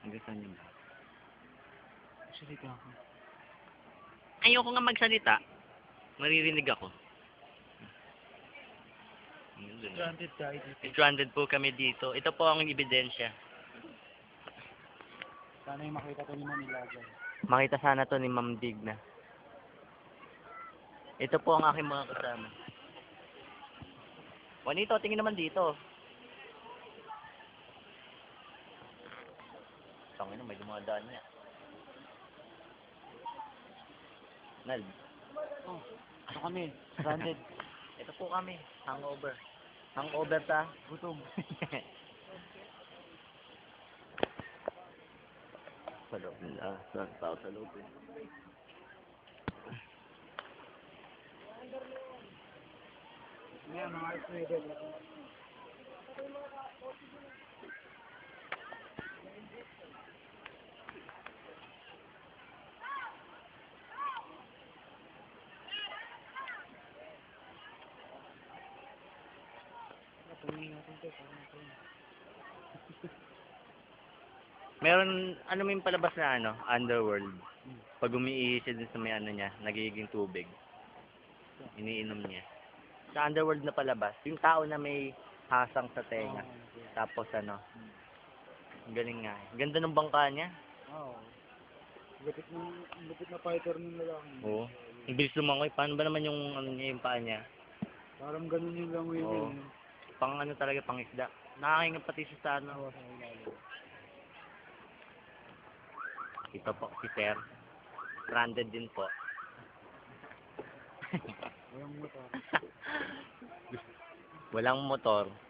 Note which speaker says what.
Speaker 1: Gusto niyo ba?
Speaker 2: Salita ako.
Speaker 1: Ayoko nga magsalita. Maririnig ako.
Speaker 2: Stranded tayo dito.
Speaker 1: Stranded po kami dito. Ito po ang ebidensya.
Speaker 2: Sana yung makita to ni Manilagan.
Speaker 1: Makita sana to ni Ma'am Digna. Ito po ang aking mga kasama. Juanito, tingin naman dito. Tangina, may dumadaan niya. Nal.
Speaker 2: Oh, ito kami. Stranded.
Speaker 1: Ito po kami. Hangover. Hangover ta.
Speaker 2: Gutom.
Speaker 1: Sa loob nila. Sa tao sa loob.
Speaker 2: Ngayon, mga stranded. Napungin natin ito.
Speaker 1: Meron, ano may palabas na ano, Underworld. Pag umiihi din sa may ano niya, nagiging tubig. Iniinom niya. Sa Underworld na palabas, yung tao na may hasang sa tenga. Tapos ano, ang galing nga. Ganda ng bangka niya.
Speaker 2: Oo. Lupit na fighter ng lalaki.
Speaker 1: Oo. Ang bilis lumangoy. Paano ba naman yung ano niya, yung paa niya?
Speaker 2: Parang ganun yung langoy
Speaker 1: Oo.
Speaker 2: niya.
Speaker 1: Pang ano talaga, pang isda. Nakakaingat pati siya sa ano.
Speaker 2: Sa ilalim.
Speaker 1: Ito po, si Sir. Stranded din po.
Speaker 2: Walang motor.
Speaker 1: Walang motor.